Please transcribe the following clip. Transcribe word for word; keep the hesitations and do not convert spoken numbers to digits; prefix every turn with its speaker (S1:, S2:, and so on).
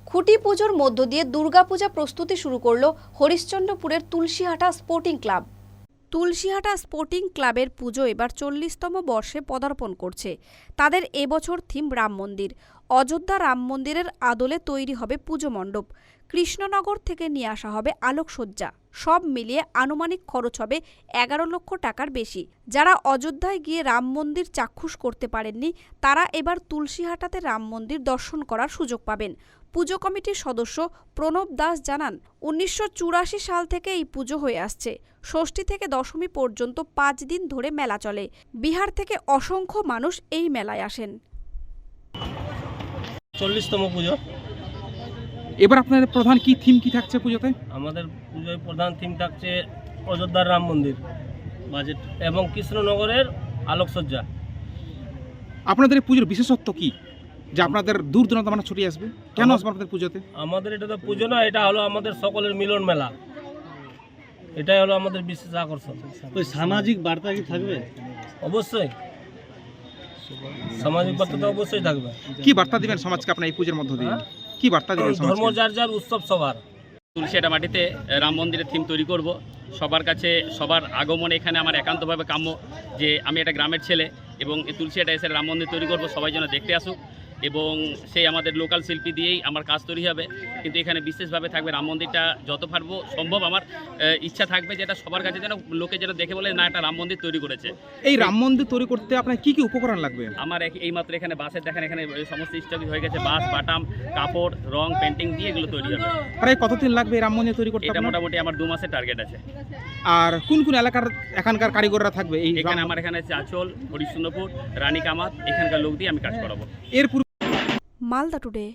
S1: খুঁটি পুজোর মধ্য দিয়ে দুর্গাপূজা প্রস্তুতি শুরু করলো হরিশ্চন্দ্রপুরের Tulsihata sporting club. Tulsihata sporting ক্লাবের পুজো এবার চল্লিশতম বর্ষে পদার্পণ করছে। তাদের এবছর থিম রাম মন্দির। অযোধ্যা রাম মন্দিরের আদলে তৈরি হবে পুজো মণ্ডপ। কৃষ্ণনগর থেকে নিয়ে আসা হবে আলোকসজ্জা। সব মিলিয়ে আনুমানিক খরচ হবে এগারো লক্ষ টাকার বেশি। যারা অযোধ্যায় গিয়ে রাম মন্দির চাক্ষুষ করতে পারেননি, তারা এবার তুলসীহাটাতে রাম মন্দির দর্শন করার সুযোগ পাবেন। পুজো কমিটির সদস্য প্রণব দাস জানান, উনিশশো চুরাশি সাল থেকে এই পুজো হয়ে আসছে। ষষ্ঠী থেকে দশমী পর্যন্ত পাঁচ দিন ধরে মেলা চলে। বিহার থেকে অসংখ্য মানুষ এই মেলায় আসেন।
S2: চল্লিশতম পুজো।
S3: এবার আপনাদের প্রধান কি থিম কি থাকছে পুজোতে?
S2: আমাদের পুজোয় প্রধান থিম থাকছে অযোধ্যার রাম মন্দির বাজেট এবং কৃষ্ণনগরের আলোকসজ্জা।
S3: আপনাদের এই পুজোর বিশেষত্ব কি, যে আপনাদের দূর দূরান্ত মানুষ ছুটে আসবে? কেন আসবে আপনাদের পুজোতে?
S2: আমাদের এটা তো পুজো না, এটা হলো আমাদের সকলের মিলন মেলা। এটাই হলো আমাদের বিশেষ আকর্ষণ।
S4: ওই সামাজিক বার্তা কি থাকবে?
S2: অবশ্যই সামাজিক বার্তা তো অবশ্যই থাকবে।
S3: কি বার্তা দিবেন সমাজকে আপনার এই পুজোর মধ্য দিয়ে? কি বার্তা দিবেন
S2: ধর্ম
S3: সমাজকে?
S2: যার যার, উৎসব সবার।
S5: তুলসীহাটা মাটিতে রাম মন্দিরের থিম তৈরি করব। সবার কাছে সবার আগমন এখানে আমার একান্তভাবে কাম্য, যে আমি একটা গ্রামের ছেলে এবং এই তুলসীহাটা এসে রাম মন্দির তৈরি করব, সবাই যেন দেখতে আসুক এবং সেই আমাদের লোকাল শিল্পী দিয়েই আমার কাজ তৈরি হবে। কিন্তু এখানে বিশেষভাবে থাকবে রাম মন্দিরটা, যত পারবো সম্ভব আমার ইচ্ছা থাকবে যেটা সবার কাছে যেন লোকে যেন দেখে বলে না একটা রাম মন্দির তৈরি করেছে।
S3: এই রাম মন্দির তৈরি করতে আপনার কি কি উপকরণ লাগবে?
S5: আমার এই মাত্র এখানে বাসের দেখেন, এখানে সমস্ত স্টক হয়ে গেছে, বাঁশ, বাটাম, কাপড়, রং, পেন্টিং দিয়ে এগুলো তৈরি হবে।
S3: প্রায় কতদিন লাগবে এই রাম মন্দির তৈরি করতে?
S5: এটা
S3: আপনার
S5: মোটামুটি আমার দু মাসের টার্গেট আছে।
S3: আর কোন কোন এলাকার এখানকার কারিগররা থাকবে এই?
S5: এখানে আমার এখানে আছে আচল, হরিশ্চন্দ্রপুর, রানী কামাত, এখানকার লোক দিয়ে আমি কাজ করাবো।
S3: এর পূর্বে
S1: মালদা টুডে।